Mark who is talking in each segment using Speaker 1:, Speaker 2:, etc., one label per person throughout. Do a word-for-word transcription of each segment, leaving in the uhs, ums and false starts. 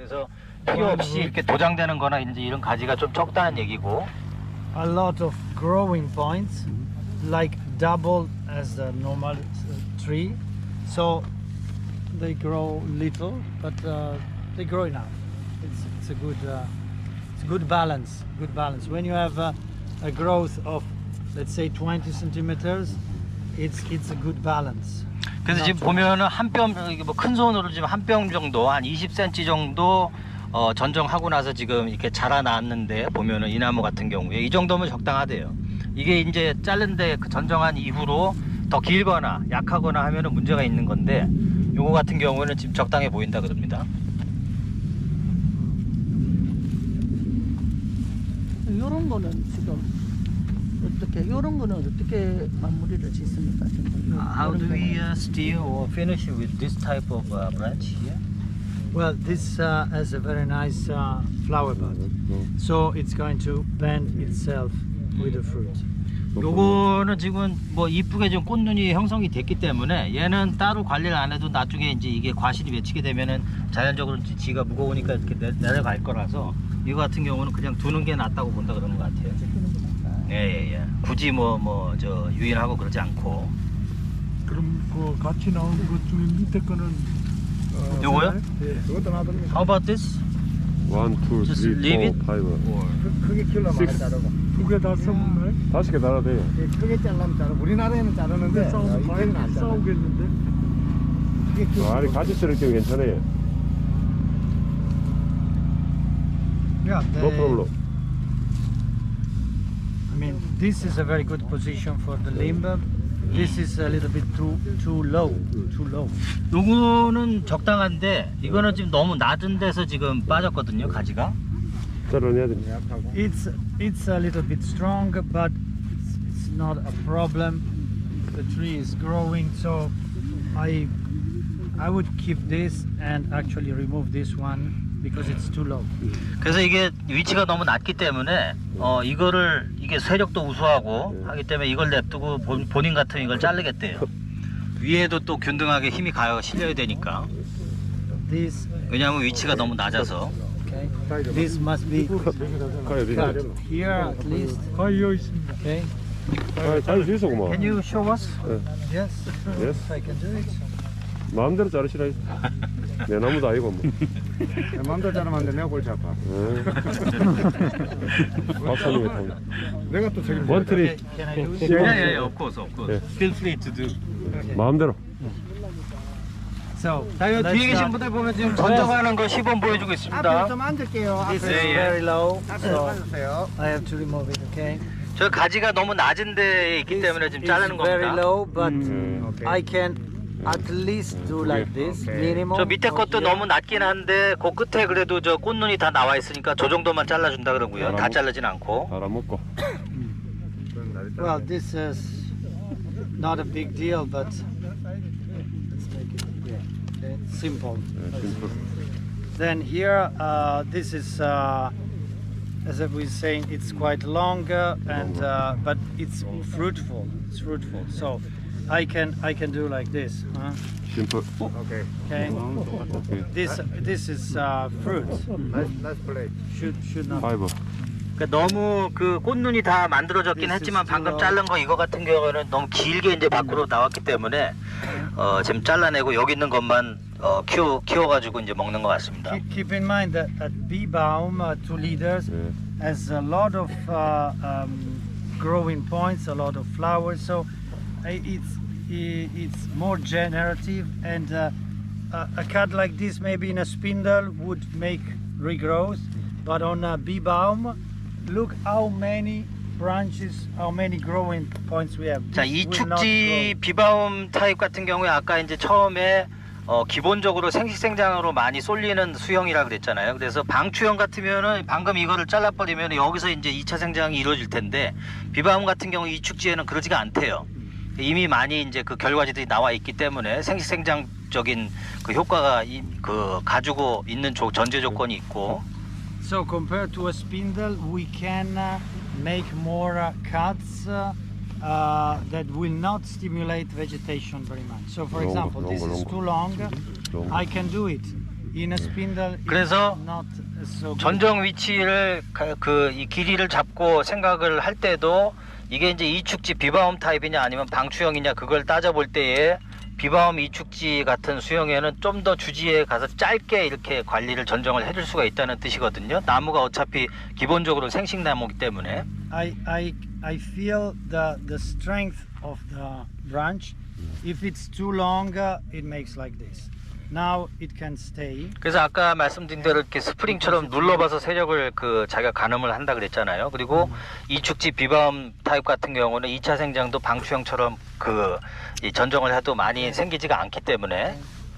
Speaker 1: 그래서 필요 없이 이렇게 도장되는 거나 이제 이런 가지가 좀 적다는 얘기고.
Speaker 2: A lot of growing points, like double as the normal tree. So they grow little, but uh, they grow enough. It's, it's a good, uh, it's a good balance. Good balance. When you have uh, a growth of, let's say, twenty centimeters, it's it's a good balance.
Speaker 1: 그래서 지금 보면은 한 뼘, 뭐 큰 손으로 지금 한 뼘 정도, 한 이십 센티미터 정도 어, 전정하고 나서 지금 이렇게 자라났는데 보면은 이 나무 같은 경우에 이 정도면 적당하대요. 이게 이제 자른데 그 전정한 이후로 더 길거나 약하거나 하면은 문제가 있는 건데 요거 같은 경우는 지금 적당해 보인다 그럽니다.
Speaker 3: 요런 거는 지금 어떻게 요런 거는 어떻게 마무리를 짓습니까? 지금
Speaker 1: How do we uh, steal or finish with this type of uh, branch here?
Speaker 2: Well, this uh, has a very nice uh, flower bud, so it's going to bend itself with the fruit.
Speaker 1: 요거는 지금 뭐 이쁘게 좀 꽃눈이 형성이 됐기 때문에 얘는 따로 관리를 안 해도 나중에 이제 이게 과실이 맺히게 되면은 자연적으로 지가 무거우니까 이렇게 내, 내려갈 거라서 이거 같은 경우는 그냥 두는 게 낫다고 본다 그러는 것 같아요. 예예예. 예, 예. 굳이 뭐 뭐 저 유인하고 그러지 않고.
Speaker 4: 그럼 그 같이 나온 것 중에 밑에 거는 어,
Speaker 1: 요거요?
Speaker 4: 네.
Speaker 5: 그것도 놔둡니다.
Speaker 1: How about this?
Speaker 6: One, two,
Speaker 1: Just
Speaker 6: three,
Speaker 1: leave it?
Speaker 6: four, five.
Speaker 1: Or
Speaker 5: 크게 키우려면
Speaker 6: Six.
Speaker 5: 자르고.
Speaker 4: 두 개 다 써먹나요?
Speaker 6: 다섯 개 달아도 돼요.
Speaker 5: 예, 크게 자르면 자르고. 우리나라에는 자르는데
Speaker 4: 근데 싸우면
Speaker 5: 이때는
Speaker 4: 과일
Speaker 5: 안 자르고.
Speaker 4: 싸우겠는데?
Speaker 5: 크게 키우고.
Speaker 6: 아, 아니 같이 쓸 때는 괜찮아요.
Speaker 2: Yeah,
Speaker 6: No problem.
Speaker 2: I mean, this is a very good position for the limb. This is a little bit too too low, too low.
Speaker 1: 요거는 적당한데 이거는 지금 너무 낮은 데서 지금 빠졌거든요 가지가.
Speaker 6: 잘라내야 됩니다.
Speaker 2: It's it's a little bit strong, but it's, it's not a problem. The tree is growing, so I I would keep this and actually remove this one because it's too low.
Speaker 1: 그래서 이게 위치가 너무 낮기 때문에 어 이거를 이게 세력도 우수하고 하기 때문에 이걸 냅두고 본, 본인 같으면 이걸 자르겠대요. 위에도 또 균등하게 힘이 가요 실려야 되니까.
Speaker 2: This
Speaker 1: 왜냐하면 위치가 너무 낮아서.
Speaker 2: okay. This must be
Speaker 6: 가요,
Speaker 2: cut here at least.
Speaker 4: 과일 여기 있습니다.
Speaker 2: Okay.
Speaker 6: 아, 잘수 있어 고마.
Speaker 2: Can you show us?
Speaker 6: 네.
Speaker 2: Yes.
Speaker 6: Yes.
Speaker 2: I can do it.
Speaker 6: 마음대로 자르시라. 내 나무도 아니고 뭐.
Speaker 5: 마음대로 자르면 안 돼. 내가 골치 아파.
Speaker 6: 박사님의 통.
Speaker 5: 내가 또 책임.
Speaker 6: One tree.
Speaker 2: Can I do it?
Speaker 1: Yeah, yeah, yeah, of course, of course. Feel free to do.
Speaker 6: 마음대로.
Speaker 2: So
Speaker 1: 자, 여기
Speaker 2: let's
Speaker 1: 뒤에 계신
Speaker 2: start.
Speaker 1: 분들 보면 지금 전정하는 거 시범 보여주고
Speaker 5: 앞에
Speaker 1: 있습니다.
Speaker 5: 좀 앉을게요.
Speaker 2: This
Speaker 5: 앞에.
Speaker 2: is
Speaker 1: Yeah, yeah.
Speaker 2: very low,
Speaker 5: 앞에 좀
Speaker 2: so
Speaker 5: 앉으세요.
Speaker 2: I have to remove it. Okay.
Speaker 1: 저 가지가 너무 낮은 데에 있기 때문에 지금
Speaker 2: It's
Speaker 1: 자르는
Speaker 2: very
Speaker 1: 겁니다.
Speaker 2: low, but
Speaker 5: 오케이.
Speaker 2: I can at least do like this
Speaker 5: Okay.
Speaker 2: minimum.
Speaker 1: 저 밑에
Speaker 2: or
Speaker 1: 것도
Speaker 2: here.
Speaker 1: 너무 낮긴 한데 그 끝에 그래도 저 꽃눈이 다 나와 있으니까 저 정도만 잘라준다 그러고요. 다 자르진 않고.
Speaker 6: 잘 안 먹고.
Speaker 2: Well, this is not a big deal, but let's make it yeah, okay. Simple.
Speaker 6: 네, 심플.
Speaker 2: Then here, uh, this is, uh, as I was saying, it's quite longer, and uh, but it's fruitful. It's fruitful. So I can I can do like this. Huh?
Speaker 6: 심플.
Speaker 5: 오케이.
Speaker 2: Okay.
Speaker 6: 오케이.
Speaker 2: This this is uh, fruit.
Speaker 5: 나이스 나이스 플레이.
Speaker 2: Should should not.
Speaker 6: 파이브.
Speaker 1: 그러니까 너무 그 꽃눈이 다 만들어졌긴 했지만 방금 자른 거 이거 같은 경우는 너무 길게 이제 밖으로 나왔기 때문에 어, 지금 잘라내고 여기 있는 것만 어, 키워 키워가지고 이제 먹는 것 같습니다.
Speaker 2: Keep, keep in mind that at Bibaum, uh, two liters,
Speaker 6: 네.
Speaker 2: has a lot of uh, um, growing points, a lot of flowers, so uh, it's i- it's more generative, and uh, a a cut like this maybe in a spindle would make regrowth, but on a Bibaum, look how many branches, how many growing points we have.
Speaker 1: 자,
Speaker 2: This
Speaker 1: 이
Speaker 2: will not
Speaker 1: 축지
Speaker 2: grow.
Speaker 1: 비바움 타입 같은 경우에 아까 이제 처음에 어, 기본적으로 생식생장으로 많이 쏠리는 수형이라 그랬잖아요. 그래서 방추형 같으면은 방금 이거를 잘라버리면 여기서 이제 이 차 생장이 이루어질 텐데 비바움 같은 경우 이 축지에는 그러지가 않대요. 이미 많이 이제 그 결과지들이 나와 있기 때문에 생식생장적인 그 효과가 이, 그 가지고 있는 조, 전제 조건이 있고.
Speaker 2: So compared to a spindle, we can uh, make more uh, cuts uh, uh, that will not stimulate vegetation very much. So for
Speaker 6: Long,
Speaker 2: example,
Speaker 6: long,
Speaker 2: this is
Speaker 6: long.
Speaker 2: too long.
Speaker 6: long.
Speaker 2: I can do it, in a spindle it's
Speaker 1: 그래서
Speaker 2: not so good.
Speaker 1: 전정 위치를 그 이 길이를 잡고 생각을 할 때도 이게 이제 이축지 비바움 타입이냐 아니면 방추형이냐 그걸 따져볼 때에 비바움 이축지 같은 수형에는 좀 더 주지에 가서 짧게 이렇게 관리를 전정을 해줄 수가 있다는 뜻이거든요. 나무가 어차피 기본적으로 생식나무이기 때문에.
Speaker 2: I, I, I feel the, the strength of the branch. If it's too long, uh, it makes like this. Now it can stay.
Speaker 1: 그래서 아까 말씀드린 대로 이렇게 스프링처럼 눌러봐서 세력을 그 자기가 가늠을 한다 그랬잖아요. 그리고 이축지 비바움 타입 같은 경우는 이 차 생장도 방추형처럼 그 이 전정을 해도 많이 생기지가 않기 때문에.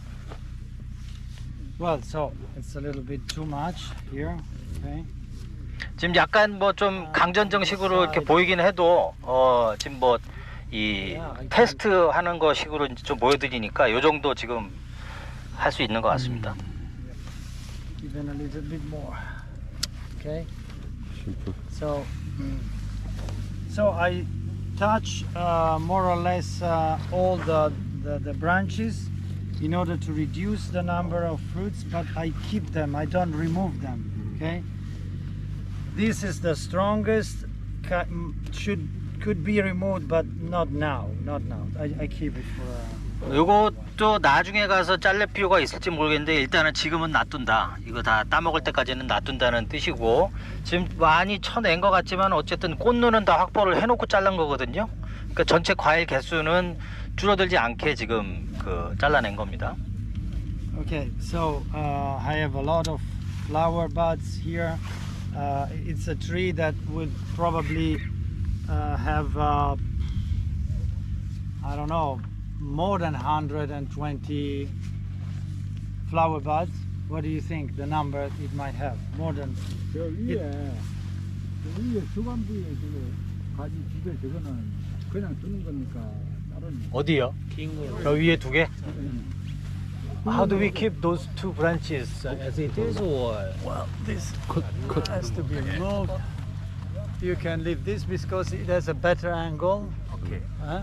Speaker 2: Well, so it's a little bit too much here. Okay.
Speaker 1: 지금 약간 뭐 좀 강전정식으로 이렇게 보이긴 해도 어 지금 뭐 이 테스트 하는 거 식으로 이제 좀 보여드리니까 요 정도 지금 할 수 있는 것 같습니다.
Speaker 2: Even a little bit more. Okay.
Speaker 6: 심플.
Speaker 2: So, so I touch uh, more or less uh, all the, the the branches in order to reduce the number of fruits, but I keep them. I don't remove them. Okay. This is the strongest. ca- mm, Should could be removed, but not now. Not now. I, I keep it for. Uh,
Speaker 1: 요것도 나중에 가서 잘릴 필요가 있을지 모르겠는데 일단은 지금은 놔둔다. 이거 다 따먹을 때까지는 놔둔다는 뜻이고 지금 많이 쳐낸 것 같지만 어쨌든 꽃눈은 다 확보를 해놓고 잘란 거거든요. 그러니까 전체 과일 개수는 줄어들지 않게 지금 그 잘라낸 겁니다.
Speaker 2: Okay, so uh, I have a lot of flower buds here. Uh, it's a tree that would probably uh, have, uh, I don't know, more than one hundred twenty flower buds. What do you think the number it might have? More than.
Speaker 4: 저 위에 저 위에 주간부에 저거 가지 두개 저거는 그냥 두는 거니까 다른
Speaker 1: 어디요? 저 위에 두 개? How do we keep those two branches as it is, or?
Speaker 2: Well, this has to be removed. You can leave this because it has a better angle.
Speaker 1: Okay.
Speaker 2: Huh?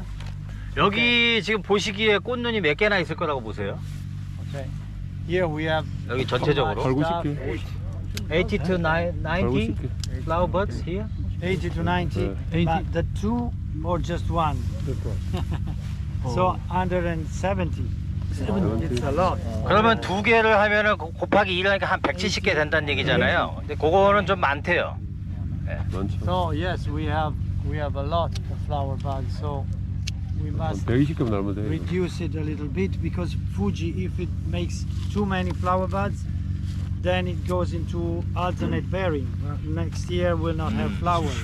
Speaker 1: 여기 지금 보시기에 꽃눈이 몇 개나 있을 거라고 보세요?
Speaker 2: Okay. Here we have
Speaker 1: 여기 전체적으로
Speaker 6: 팔구십 개.
Speaker 1: eighty to ninety
Speaker 6: 팔구십 개.
Speaker 1: flower buds here.
Speaker 2: eighty to ninety.
Speaker 6: Uh,
Speaker 2: But the two or just one? So one hundred seventy. It's a lot.
Speaker 1: 그러면 두 개를 하면은 고- 곱하기 일 하니까 한 백칠십 개 된다는 얘기잖아요. 근데 그거는 좀 많대요.
Speaker 6: 많죠.
Speaker 2: So yes, we have we have a lot of flower buds. So we must
Speaker 6: 백이십 개만 날면 돼.
Speaker 2: reduce it a little bit because Fuji, if it makes too many flower buds, then it goes into alternate bearing. Well, next year we'll not have flowers.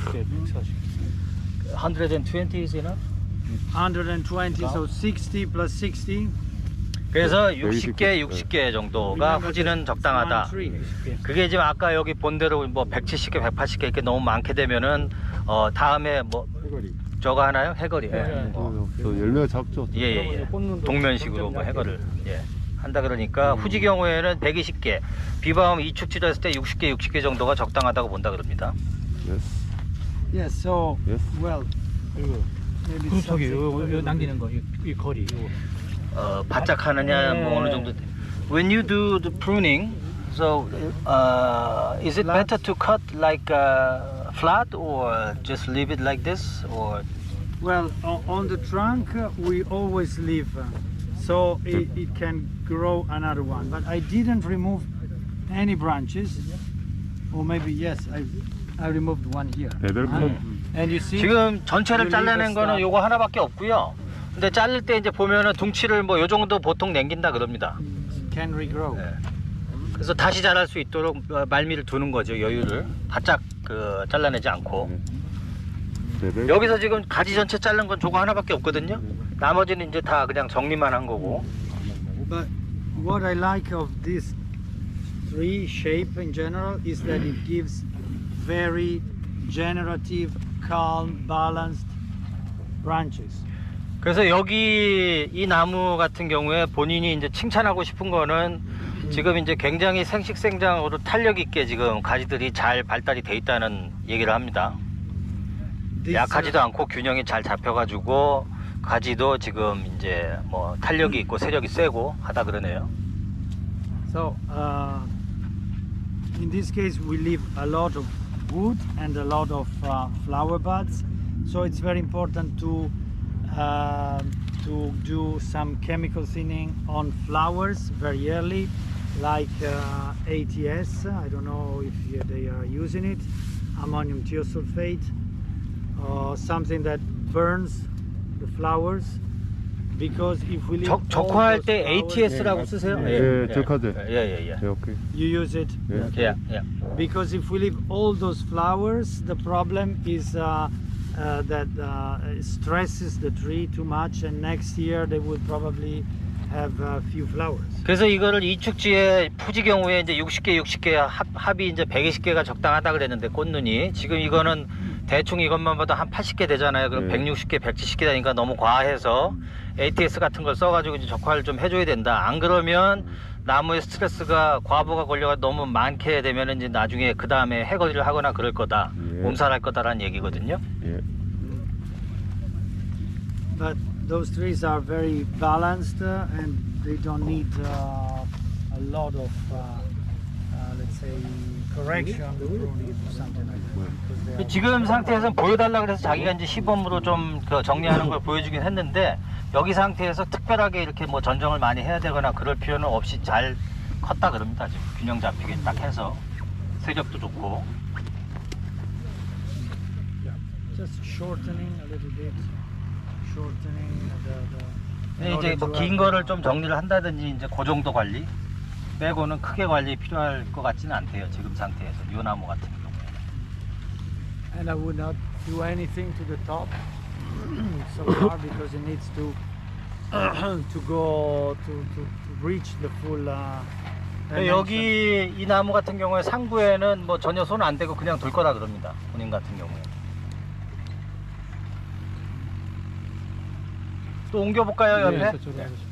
Speaker 1: one hundred twenty is enough?
Speaker 2: one hundred twenty, so sixty plus sixty.
Speaker 1: 그래서 육십 개, 육십 개 정도가 후지는 적당하다. 그게 지금 아까 여기 본대로 뭐 백칠십 개, 백팔십 개 이렇게 너무 많게 되면은 어 다음에 뭐 저거 하나요? 해거리. 예. 어.
Speaker 6: 저 열매가 작죠.
Speaker 1: 예, 예, 예. 동면식으로 뭐 해거를 예. 한다 그러니까 후지 경우에는 백이십 개, 비바움 이축지도 했을 때 육십 개, 육십 개 정도가 적당하다고 본다 그럽니다.
Speaker 6: Yes.
Speaker 2: Yes, so
Speaker 6: Yes.
Speaker 2: well, maybe
Speaker 7: 그루터기
Speaker 2: something-
Speaker 7: 요, 요 남기는 거, 이, 이 거리. 요.
Speaker 1: 어, 바짝 하느냐 뭐 어느 정도. When you do the pruning, so uh, is it better to cut like uh, flat or just leave it like this or?
Speaker 2: Well, o- on the trunk uh, we always leave, uh, so it, it can grow another one. But I didn't remove any branches, or maybe yes, I I removed one here.
Speaker 6: 배들
Speaker 2: Ah,
Speaker 6: 컷.
Speaker 2: And you see,
Speaker 1: 지금 전체를
Speaker 2: You leave
Speaker 1: 잘라낸
Speaker 2: a
Speaker 1: 거는
Speaker 2: stab.
Speaker 1: 요거 하나밖에 없고요. 근데 자를 때 이제 보면은 둥치를 뭐 요 정도 보통 남긴다 그럽니다.
Speaker 2: can regrow.
Speaker 1: 네. 그래서 다시 자랄 수 있도록 어, 말미를 두는 거죠, 여유를. 바짝 그 잘라내지 않고.
Speaker 6: 배들.
Speaker 1: 여기서 지금 가지 전체 자른 건 저거 하나밖에 없거든요. 나머지는 이제 다 그냥 정리만 한 거고.
Speaker 2: But what I like of this tree shape in general is that it gives very generative, calm, balanced branches.
Speaker 1: 그래서 여기 이 나무 같은 경우에 본인이 이제 칭찬하고 싶은 거는 지금 이제 굉장히 생식생장으로 탄력 있게 지금 가지들이 잘 발달이 돼 있다는 얘기를 합니다.
Speaker 2: This,
Speaker 1: 약하지도 않고 균형이 잘 잡혀가지고 가지도 지금 이제 뭐 탄력이 있고 세력이 세고 하다 그러네요.
Speaker 2: So uh, in this case we leave a lot of wood and a lot of uh, flower buds. So it's very important to uh, to do some chemical thinning on flowers very early, like uh, A T S. I don't know if you- they are using it, ammonium thiosulfate, or something that burns the flowers. Because if we leave
Speaker 1: 적,
Speaker 2: all
Speaker 1: 적화할
Speaker 2: those
Speaker 1: 때
Speaker 2: flowers-
Speaker 1: 에이티에스라고 쓰세요?
Speaker 6: 예, 적화제.
Speaker 1: 예예예.
Speaker 6: 예, 오케이.
Speaker 2: you use it.
Speaker 6: 예.
Speaker 1: 예, 예.
Speaker 2: Because if we leave all those flowers, the problem is uh, uh, that uh, it stresses the tree too much, and next year they will probably have a few flowers.
Speaker 1: 그래서 이거를 이축지에 푸지 경우에 이제 육십 개, 육십 개 합, 합이 이제 백이십 개가 적당하다 그랬는데 꽃눈이 지금 이거는 대충 이것만 봐도 한 팔십 개 되잖아요. 그럼
Speaker 6: 네.
Speaker 1: 백육십 개, 백칠십 개 되니까 너무 과해서 에이티에스 같은 걸 써가지고 이제 적화를 좀 해줘야 된다. 안 그러면 나무에 스트레스가 과부가 걸려가 너무 많게 되면 이제 나중에 그 다음에 해거리를 하거나 그럴 거다.
Speaker 6: 예.
Speaker 1: 몸살할 거다라는 얘기거든요.
Speaker 6: 예.
Speaker 2: But those trees are very balanced uh, and they don't need uh, a lot of, uh, uh, let's say, correction, pruning or something like that. Because they are-
Speaker 1: 지금 상태에서 보여달라 그래서 자기가 이제 시범으로 좀 그 정리하는 걸 보여주긴 했는데 여기 상태에서 특별하게 이렇게 뭐 전정을 많이 해야 되거나 그럴 필요는 없이 잘 컸다 그럽니다. 지금 균형 잡히게 딱 해서 세력도 좋고.
Speaker 2: just shortening a little bit, shortening the. the in
Speaker 1: 근데 이제
Speaker 2: order
Speaker 1: 뭐
Speaker 2: to
Speaker 1: 긴
Speaker 2: have,
Speaker 1: 거를
Speaker 2: uh,
Speaker 1: 좀 정리를 한다든지 이제 그 정도 관리 빼고는 크게 관리 필요할 것 같지는 않대요. 지금 상태에서 요 나무 같은 경우에.
Speaker 2: And I would not do anything to the top so far because it needs to to go to, to, to reach the full. Uh, dimension.
Speaker 1: 여기 이 나무 같은 경우에 상부에는 뭐 전혀 손 안 대고 그냥 둘 거라 그럽니다. 본인 같은 경우에. 또 옮겨볼까요 옆에?
Speaker 7: 저쪽으로 하겠습니다.